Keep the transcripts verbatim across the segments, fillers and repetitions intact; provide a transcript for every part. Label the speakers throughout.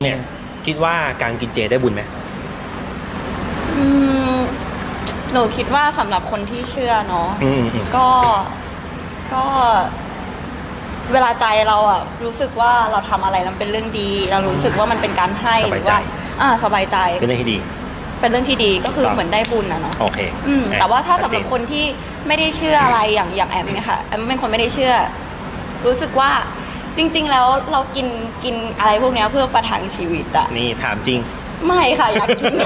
Speaker 1: เนี่ยคิดว่าการกินเจได้บุญไหม
Speaker 2: อืมหนูคิดว่าสำหรับคนที่เชื่อเนาะก็ก็เวลาใจเราอะรู้สึกว่าเราทำอะไรแล้วเป็นเรื่องดีเรารู้สึกว่ามันเป็นการให้หรือว่าอ่าสบายใจ
Speaker 1: เป็นเรื่องที่ดี
Speaker 2: เป็นเรื่องที่ดีก็คือเหมือนได้บุญนะเนาะ
Speaker 1: โอเค
Speaker 2: อืมแต่ว่าถ้าสำหรับคนที่ไม่ได้เชื่ออะไรอย่างอย่างแอมเนี่ยค่ะแอมเป็นคนไม่ได้เชื่อรู้สึกว่าจริงๆแล้วเรากินกินอะไรพวกนี้เพื่อประทังชีวิตอะ
Speaker 1: นี่ถามจริง
Speaker 2: ไม่ค่ะอยากกิน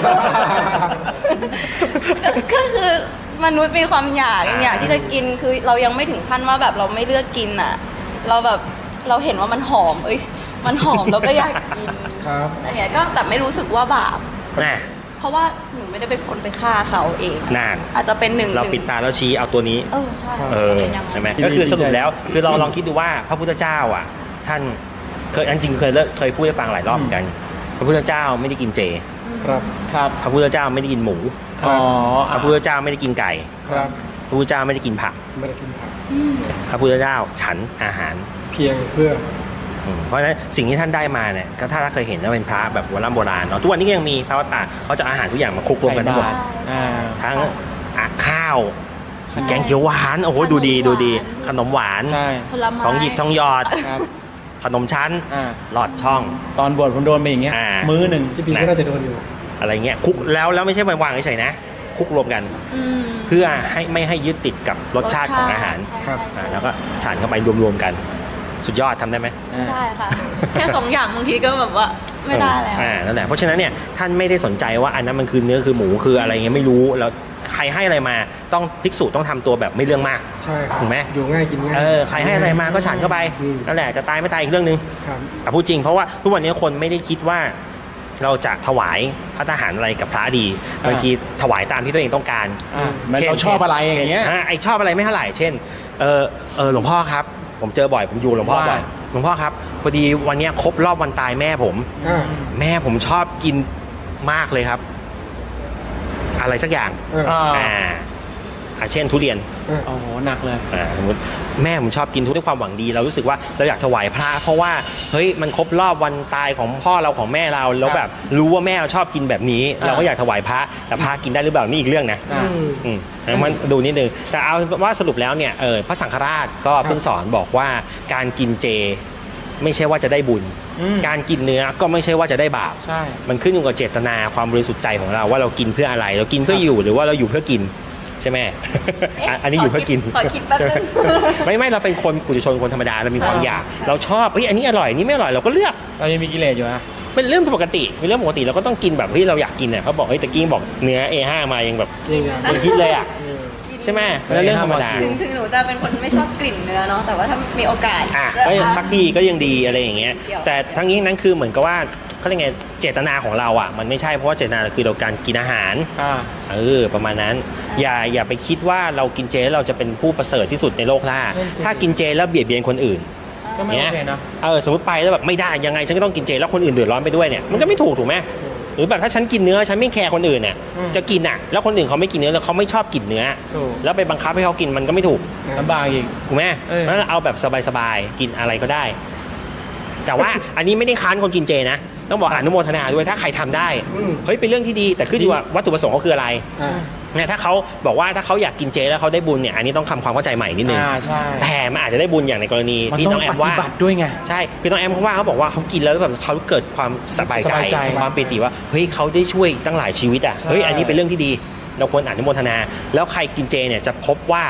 Speaker 2: ก็คือมนุษย์มีความอยากอยากที่จะกินคือเรายังไม่ถึงขั้นว่าแบบเราไม่เลือกกินอะเราแบบเราเห็นว่ามันหอมเอ้ยมันหอมเราก็อยากกิน
Speaker 3: ครับ
Speaker 2: อะไรเงี้ยก็แต่ไม่รู้สึกว่าบาป
Speaker 1: นะ
Speaker 2: เพราะว่าหนูไม่ได้เป็นคนไปฆ่าเขาเอง
Speaker 1: นาน
Speaker 2: อาจจะเป็นหนึ่ง
Speaker 1: เราปิดตาแล้วชี้เอาตัวนี้
Speaker 2: เออใช่
Speaker 1: เออใช่ไหมก็คือสรุปแล้วคือเราลองคิดดูว่าพระพุทธเจ้าอ่ะท่านเคยอันจริงเคยเคยพูดให้ฟังหลายรอบเหมือนกันพระพุทธเจ้าไม่ได้กินเจ
Speaker 3: ครับครับ
Speaker 1: พระพุทธเจ้าไม่ได้กินหมู
Speaker 3: อ๋อ
Speaker 1: พระพุทธเจ้าไม่ได้กินไก่
Speaker 3: ครับ
Speaker 1: พระพุทธเจ้าไม่ได้กินผัก
Speaker 3: ไม่ได้กินผัก
Speaker 1: พระพุทธเจ้าฉันอาหาร
Speaker 3: เพียงเพื่อ
Speaker 1: เพราะฉะนั้นสิ่งที่ท่านได้มาเนี่ยก็ถ้าเคยเห็นว่าเป็นพระแบบโบราณโบราณเนาะทุกวันนี้ก็ยังมีพระวัดป่าเขาจะอาหารทุกอย่างมาคลุกรวมกันทั้งหมดทั้งข้าวแกงเขียวหวานโอ้โหดูดีดูดีขนมหวานทองหยิบทองหยอดขนมชั้นหลอดช่อง
Speaker 3: ตอนบวชผมโดนไปอย่างเงี้ยมื้อหนึ่งที่พี่ก็น่าจะโดนอยู่
Speaker 1: อะไรเงี้ยคลุกแล้วแล้วไม่ใช่วางเฉยๆนะคลุกรวมกันเพื่อให้ไม่ให้ยึดติดกับรสชาติของอาหารแล้วก็ฉันเข้าไปรวมๆกันสุดยอดทำได้ไหม
Speaker 2: ไม่ได้ค่ะแค่สองอย่างบางทีก็แบบว่าไม่ได้แล้ว
Speaker 1: อ่านั่นแหละเพราะฉะนั้นเนี่ยท่านไม่ได้สนใจว่าอันนั้นมันคือเนื้อคือหมูคืออะไรเงี้ยไม่รู้แล้วใครให้อะไรมาต้องภิกษุต้องทำตัวแบบไม่เรื่องมาก
Speaker 3: ใช่
Speaker 1: ถูกไหม
Speaker 3: อยู่ง่ายกินง่าย
Speaker 1: เออใครให้อะไรมาก็ฉันเข้าไปนั่นแหละจะตายไม่ตายอีกเรื่องนึงอ่ะพูดจริงเพราะว่าทุกวันนี้คนไม่ได้คิดว่าเราจะถวายพระทหารอะไรกับพระดีบางทีถวายตามที่ตัวเองต้องการ
Speaker 3: เช่นเราชอบอะไรอย่างเงี้ย
Speaker 1: ไอชอบอะไรไม่เท่าไหร่เช่นเออเออหลวงพ่อครับผมเจอบ่อยผมอยู่หลวงพ่อบ่อยหลวงพ่อครับพอดีวันนี้ครบรอบวันตายแม่ผมแม่ผมชอบกินมากเลยครับอะไรสักอย่างอ่าอาเช่นทุเรียน
Speaker 3: โอ้โหหนักเลย
Speaker 1: อ่าสมมติแม่ผมชอบกินทุกด้วยความหวังดีเรารู้สึกว่าเราอยากถวายพระเพราะว่าเฮ้ยมันครบรอบวันตายของพ่อเราของแม่เราแล้วแบบรู้ว่าแม่เราชอบกินแบบนี้เราก็อยากถวายพระแต่พระกินได้หรือเปล่านี่อีกเรื่องนะอืมมันดูนิดนึงแต่เอาว่าสรุปแล้วเนี่ยเออพระสังฆราชก็เพิ่งสอนบอกว่าการกินเจไม่ใช่ว่าจะได้บุญการกินเนื้อก็ไม่ใช่ว่าจะได้บาปมันขึ้นอยู่กับเจตนาความบริสุทธิ์ใจของเราว่าเรากินเพื่ออะไรเรากินเพื่ออยู่หรือว่าเราอยู่เพื่อกินใช่ไหมอันนี้อยู่เพื่อกิน
Speaker 2: ขอคิดแป๊บนึง
Speaker 1: ไม่ไม่เราเป็นคนปุถุชนคนธรรมดาเรามีความอยากเราชอบเฮ้ยอันนี้อร่อยอันนี้ไม่อร่อยเราก็เลือก
Speaker 3: เรายังมีกิเลสอยู่นะ
Speaker 1: เป็นเรื่องปกติเป็นเรื่องปกติเราก็ต้องกินแบบที่เราอยากกินเนี่ยเขาบอกเฮ้ยตะกี้บอกเนื้อ เอ ห้า มายังแบบยังคิดเลยอ่ะใช่ไหมเป็นเรื่องธรรมดา
Speaker 2: ถึงถึงหนูจะเป็นคนไม่ชอบกลิ่นเนื้อเนาะแต่ว่าถ้ามีโอกาส
Speaker 1: อ่ะก็สักทีก็ยังดีอะไรอย่างเงี้ยแต่ทั้งนี้นั้นคือเหมือนกับว่าเขาเรียกไงเจตนาของเราอ่ะมันไม่ใช่เพราะว่าเจตนาคือเราการกินอาหารเออประมาณนั้นอย่าอย่าไปคิดว่าเรากินเจเราจะเป็นผู้ประเสริฐที่สุดในโลกล่าถ้ากินเจแล้วเบียดเบียนคนอื่น
Speaker 3: ก็ไม่โอเคนะ
Speaker 1: เออสมมติไปแล้วแบบไม่ได้ยังไงฉันก็ต้องกินเจแล้วคนอื่นเดือดร้อนไปด้วยเนี่ยมันก็ไม่ถูกถูกไหมหรือแบบถ้าฉันกินเนื้อฉันไม่แคร์คนอื่นเนี่ยจะกินอ่ะแล้วคนอื่นเขาไม่กินเนื้อแล้วเขาไม่ชอบกินเนื้อแล้วไปบังคับให้เขากินมันก็ไม่ถูก
Speaker 3: ลำบากอีก
Speaker 1: ถูกไหมเพราะฉะนั้นเอาแบบสบายๆกินอะไรก็ได้แต่ว่าอันนี้ไม่ได้ค้านคนกินเจนะต้องบอกอนุโมทนาด้วยถ้าใครทำได้เฮ้ยเป็นเรื่องที่ดีแต่ขึ้นอยู่ว่าวัตถุประสงค์เขาคืออะไรเนี่ยถ้าเขาบอกว่าถ้าเขาอยากกินเจแล้วเขาได้บุญเนี่ยอันนี้ต้องทำความเข้าใจใหม่นิดนึงแต่มันอาจจะได้บุญอย่างในกรณีที่น้องแอมว่า
Speaker 3: ด้วยไง
Speaker 1: ใช่คือน้องแอมเขาว่าเขาบอกว่าเขากินแล้วแบบเขาเกิดความสบายใจความปิติว่าเฮ้ยเขาได้ช่วยตั้งหลายชีวิตอ่ะเฮ้ยอันนี้เป็นเรื่องที่ดีเราควรอนุโมทนาแล้วใครกินเจเนี่ยจะพบว่า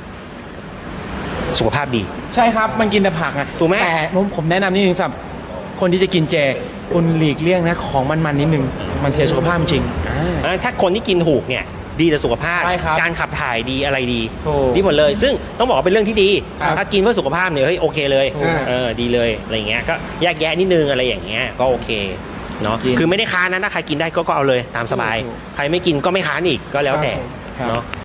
Speaker 1: สุขภาพดี
Speaker 3: ใช่ครับมันกินแต่ผักไง
Speaker 1: ถูกไหม
Speaker 3: แต่ผมผมแนะนำนิดนึงสำหรับคนที่จะกินเจคุณหลีกเลี่ยงนะของมันๆนิดนึงมันเสียสุขภาพจริง
Speaker 1: ถ้าคนที่กินถูกเนี่ยดีต่อสุขภาพการขับถ่ายดีอะไรดีดีหมดเลยซึ่งต้องบอกว่าเป็นเรื่องที่ดีถ้ากินเพื่อสุขภาพเนี่ยเฮ้ยโอเคเลยเออดีเลยอะไรเงี้ยก็แยกแยะนิดนึงอะไรอย่างเงี้ยก็โอเคเนาะคือไม่ได้ค้านนะถ้าใครกินได้ก็ก็เอาเลยตามสบายใครไม่กินก็ไม่ค้านอีกก็แล้วแต่เนาะ